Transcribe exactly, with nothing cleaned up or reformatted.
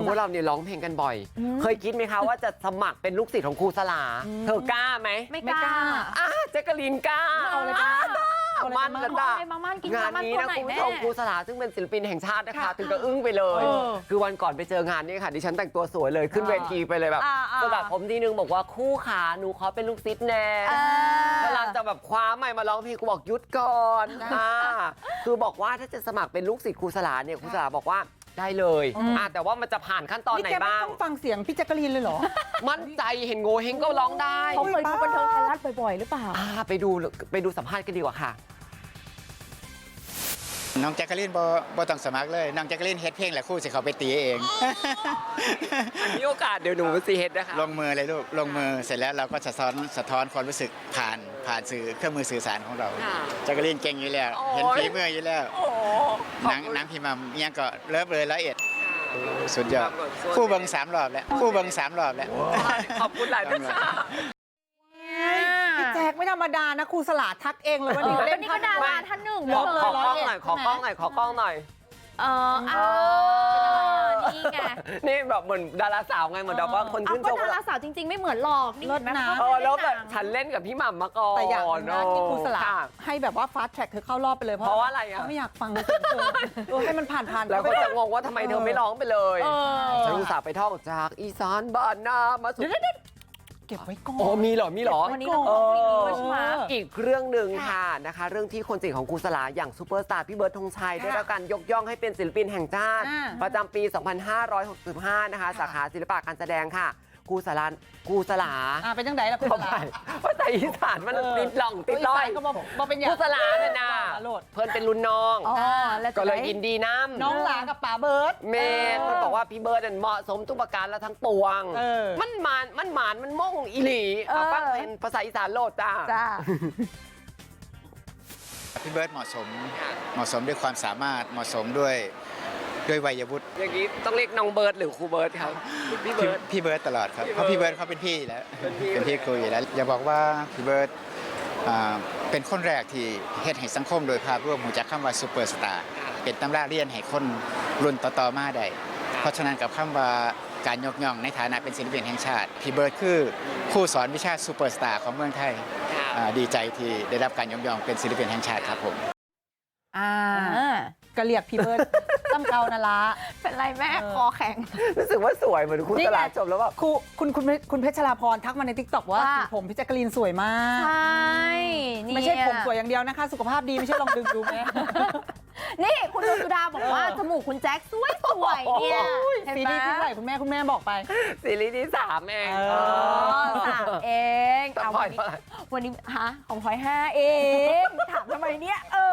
คือพวกเราเนี่ยร้องเพลงกันบ่อย เคยคิดไหมคะว่าจะสมัครเป็นลูกศิษย์ของครูสลาเธอกล้าไหมไม่กล้าอ่ะแจ๊กกะลีนกล้าเอาเลยจ้ามันกันจ้ะมามั่นกินงานมามั่นนี้ตัวนะไหนคุณแม่ผู้ชมครูสลาซึ่งเป็นศิลปินแห่งชาตินะคะค่ะถึงกับอึ้งไปเลยเออคือวันก่อนไปเจองานนี่ค่ะดิฉันแต่งตัวสวยเลยขึ้นเวทีไปเลยแบบอ่าอ่าสลับผมทีนึงบอกว่าคู่ขาหนูขอเป็นลูกศิษย์แน่อ่ากำลังจะแบบคว้าไมค์มาร้องเพลงกูบอกหยุดก่อนอ่าคือบอกว่าถ้าจะสมัครเป็นลูกศิษย์ครูสลาเนี่ยครูสลาบอกว่าได้เลยอ่ะแต่ว่ามันจะผ่านขั้นตอนไหนแกไม่บ้างต้องฟังเสียงพี่แจ๊กกะลีนเลยเหรอมั่นใจเห็นโงเฮงก็ร้องได้เขาเคยดูบันเทิงไทยรัฐบ่อยๆหรือเปล่าอ่าไปดูไปดูสัมภาษณ์กันดีกว่าค่ะน้องแจ็คกะลินบ่บ่ต้องสมัครเลยน้องแจ็คกะลินเฮ็ดเพลงแหละครู่สิเขาไปตีเองมีโอกาสเดี๋ยวหนูไปซีเฮดนะคะลงมือเลยลูกลงมือเสร็จแล้วเราก็สะท้อนสะท้อนความรู้สึกผ่านผ่านสื่อเครื่องมือสื่อสารของเราแจ็คกะลินเก่งอยู่แล้ว เห็นฝีมืออยู่แล้วโอ้หนังหนังพี่มัมเอียงก็เลิฟเลยร้อยเอ็ดสุดยอดคู่เบิงสามรอบแล้วคู่เบิงสามรอบแล้วขอบคุณหลายท่านค่ะพี่แจ๊กไม่ธรรมดานะครูสลาทักเองเลยว่านี่ก็เล่นนี่ก็ดาราท่านหนึ่งขอเลขยอกล้องหน่อยขอกล้องหน่อยขอกล้องหน่อยเออเออนี่ไงนี่แบบเหมือนดาราสาวไงเหมือนแบบว่าคนเอาชื่นก็ชมดาราสาวจริง ๆ ไม่เหมือนหรอกนี่เห็นไหมเขาเออแล้วไม่แบได้บหนังฉันเล่นกับพี่หม่ำมาก่อนแต่อย่างหนึงนะที่ครูสลาค่ะให้แบบว่าฟาสต์แทร็กเธอเข้ารอบไปเลยเพราะว่าอะไรอ่ะเขาไม่อยากฟังเลยเสียงเธอเออให้มันผ่านผ่านๆแล้วก็ไปจะงงว่าทำไมเธอไม่ร้องไปเลยเออฉันอุตส่าห์ไปท่องจากอีสานบ้านนามาสู่เก็บไว้ก่อนโอ้มีเหรอมีเหรอวันนี้เราต้องเพลงนี้ด้วยใช่ไหมอีกเรื่องหนึ่งค่ะนะคะ เรื่องที่คนสนิทของครูสลาอย่างซูเปอร์สตาร์พี่เบิร์ดธงชัยได้รับการยกย่องให้เป็นศิลปินแห่งชาติอ่าประจำปี สองพันห้าร้อยหกสิบห้า นะคะ สาขาศิลปะการแสดงค่ะครูสลาครูสลาอ่าเป็นจังไดล่ะครูสเข้าลาไปภาษาอีสานมันติดหล่องติดลล่ออย ยก็บอกบอกเป็นอย่างครูสลาเนี่ยนะโลดเพิ่นเป็นรุ่นน้องอ๋อแล้วก็เลยจะได้ยินดีน้ำน้องหลากับป๋าเบิร์ดเมนเพิ่นบอกว่าพี่เบิร์ดเนี่ยเหมาะสมทุกประการและทั้งปวงเออมันหมานมันหมานมันม่งอีหลีเอาฟังเป็นภาษาอีสานโลดจ้าจ้าพี่เบิร์ดเหมาะสมเหมาะสมด้วยความสามารถเหมาะสมด้วยด้วยวัยวุฒิอย่างนี้ต้องเรียกน้องเบิร์ดหรือครูเบิร์ดครับพี่พี่เบิร์ดพี่เบิร์ดตลอดครับพี่เพเบิร์ดราะพี่เบิร์ดเขาเป็นพี่แล้วเป็นพี่เป็นพี่ครูอยู่แล้วอย่าบอกว่าพี่เบิร์ดอ่าเป็นคนแรกที่เฮ็ดให้สังคมโดยภาพรวมหูจักคำว่าซูเปอร์สตาร์เป็นตำราเรียนให้คนรุ่นต่อๆมาได้เพราะฉะนั้นกับคำว่าการยกย่องในฐานะเป็นศิลปินแห่งชาติพี่เบิร์ดคือครูสอนวิชาซูเปอร์สตาร์ของเมืองไทยอ่าดีใจที่ได้รับการยกย่องเป็นศิลปินแห่งชาติครับผมอ่าอ่าก็เรียกพี่เบิร์ดตั้มเกานาละเป็นไรแม่เออคอแข็งรู้สึกว่าสวยเหมือนครูนี่สไงลาจบแล้วแบบครูคุณคุณคุณเพชรลาพรทักมาในทิกตอกว่าว่าสีผมพี่แจ๊กกะลีนสวยมากใช่นี่ไม่ใช่ผมสวยอย่างเดียวนะคะ สุขภาพดีไม่ใช่ลองดึงดูไหมนี่คุณดวงสุดาบอกว่าจมูกคุณแจ็คสวยสวยๆเนี่ยเห็นซีไหมรีส์ที่เท่าไหร่คุณแม่คุณแม่บอกไปซีรีส์ที่สามเองเอออ๋อสามเองแต่เอาพลอวัยนนี้เท่าไหร่วันนี้ฮะของพลอยห้าเองถามทำไมเนี่ยเออ